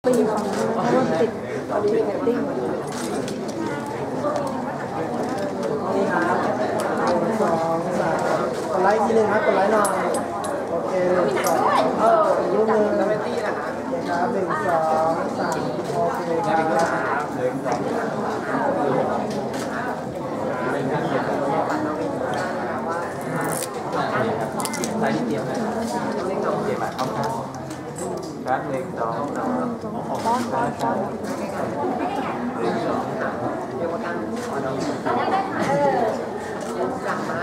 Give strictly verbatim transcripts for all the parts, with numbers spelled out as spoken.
ไปอยู่ฝั่งนู้นเพราะว่าติดตอนนี้เป็นติ้งนี่ครับหนึ่งสองสามกดไลค์ทีนึงครับกดไลค์หน่อยโอเคหนึ่งสองเออรูปหนึ่งนะครับหนึ่งสองสามโอเคครับหนึ่งสองไลค์นิดเดียวนะเจ็บปากเข้าข้างครับหนึ่งสองสามป้อนป้อนป้อนหนึ่งสองสามเรียกว่าตั้งขอน้องเออสั่งมา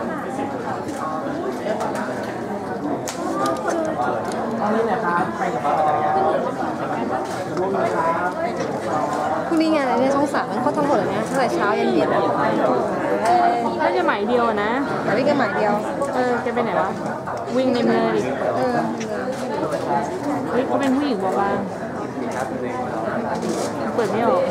ตอนนี้นะครับไปกับป้าจักรยานร่วมนะครับพรุ่งนี้งานอะไรเนี่ยช่องสามมันเข้าทั้งหมดเลยนะตั้งแต่เช้ายันเย็นน่าจะหมายเดียวนะแต่วิ่งกันหมายเดียวเออแกไปไหนวะวิ่งในเมืองดิเออเฮ้ยเขาเป็นผู้หญิงบอกว่าเปิดไม่ออก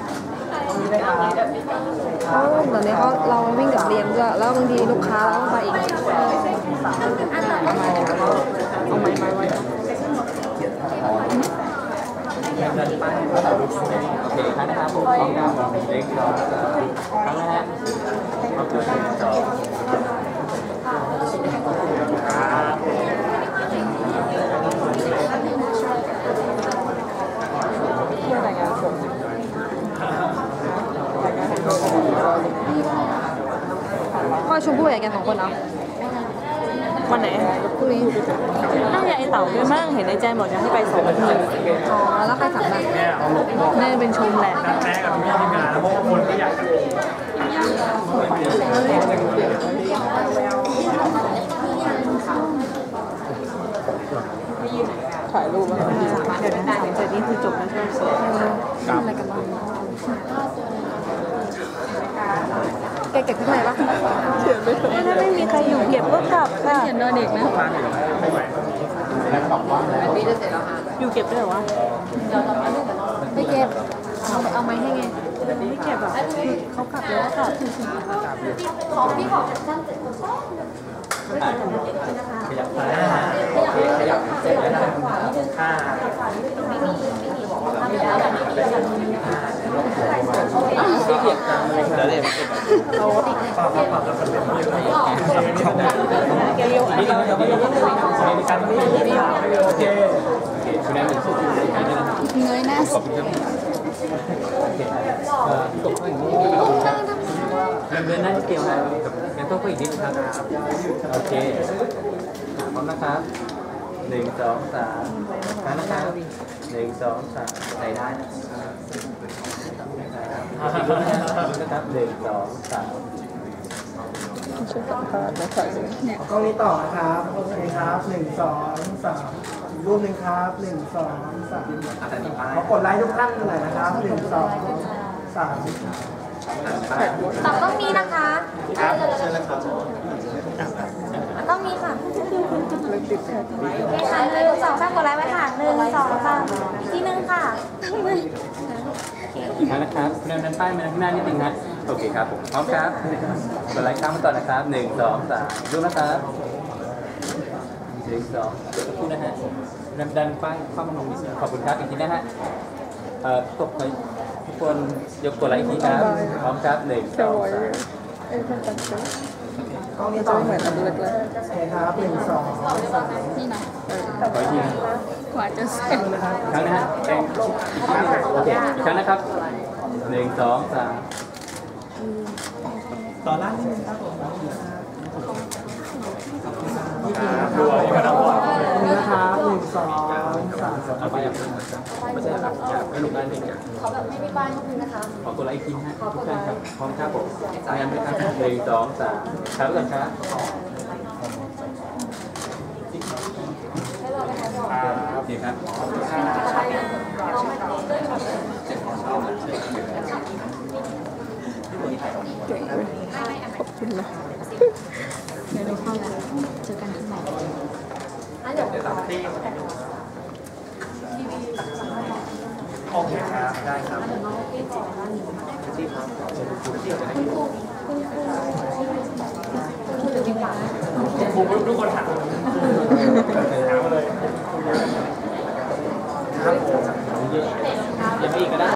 เขาเดี๋ยวนี้เขาเราวิ่งกับเรียนด้วยแล้วบางทีลูกค้าเราต้องไปอีกเอาไม้เอาไม้ไม้ไว้โอเคครับนะครับผมพร้อมกันเล็กน้อยครั้งแรกขอบคุณสองพ่อชมพู่ใหญ่กันสองคนเนาะวันไหนพรุ่งนี้น่าจะไอเต่าด้วยมั้งเห็นในใจบอกจะให้ไปสองทีอ๋อแล้วใครสั่งบ้างน่าจะเป็นชมแหละแม่กับพี่ทีมงานเพราะว่าคนก็อยากถ่ายรูปมาเดี๋ยวนะเสร็จนี่คือจบแล้วใช่ไหมอะไรกันบ้างแกเก็บข้างในปะเขียนไม่ถูกถ้าไม่มีใครอยู่เก็บก็กลับค่ะเขียนโดนเด็กนะอยู่เก็บด้วยเหรอวะไม่เก็บเอาเอาไม้ให้ไงไม่เก็บอ่ะเขากลับแล้วกลับของพี่ของสั้นเสร็จขยับซ้ายขยับเสร็จแล้วนะห้าที่เกียบกลางเลยเดี๋ยวเดี๋ยวเขาปรับปรับแล้วก็เป็นเลี้ยวนี่เราจะไม่ยกมือในการไม่โอเคคุณแม่เป็นสุดเงยหน้าสุดตกข้างอย่างนี้เดินหน้าเกี่ยวนะงั้นต้องไปอีกนิดครับโอเคพร้อมนะครับหนึ่งสองสามนะครับหนึ่งสองสามใส่ได้นะครับอีกรูปนะครับหนึ่งสองสามช่วยสัมภาษณ์นะครัเนี่ยกล้องนี้ต่อนะครับโอเคครับหนึ่งสองสามรูปหนึ่งครับหนึ่งสองสามขอกดไลค์ทุกท่านหน่อยนะครับหนึ่งสองสามตับต้องมีนะคะครับเชิญเลยครับต้องมีค่ะโอเคค่ะหนึ่งสองสามกดไลค์ไว้ค่ะหนึ่งสองสามอีกทีนึงค่ะอีกครั้งนะครับเดินด้านป้ายมาข้างหน้านิดนึงนะโอเคครับผมพร้อมครับกดไลค์ข้ามมาต่อนะครับหนึ่งสองสามดูนะครับหนึ่งสองเดี๋ยวพูดนะฮะดันดันป้ายเข้ามาลงนิดนึงขอบคุณครับอีกทีนะฮะเอ่อตกไปทุกคนยกกดไลค์อีกทีครับพร้อมครับหนึ่งสองสามกล้องนี้ต่อเหมือนอันเล็กเลยโอเคครับหนึ่งสองสามนี่นะขออีกทีกว่าจะเสร็จนะครับครั้งนะฮะแจ้งโอเคอีกครั้งนะครับหนึ่งสองสามต่อล่างนิดนึงครับผมดูอะไรกันนะนะครับหนึ่งสองสามเอาไปอย่างไม่ใช่ครับไม่ลงได้เองขอแบบไม่มีป้ายนิดนึงนะคะขอตัวไลค์ทีนะทุกท่านครับพร้อมครับผมงานไปครับหนึ่งสองสามครับก่อนครับโอเคครับขอบคุณนะเดี๋ยวเราเข้าแล้วเจอกันข้างในเดี๋ยวตามที่โอเคครับได้ครับที่ครับทุกคนถามถามมาเลยครับยังไม่อีกก็ได้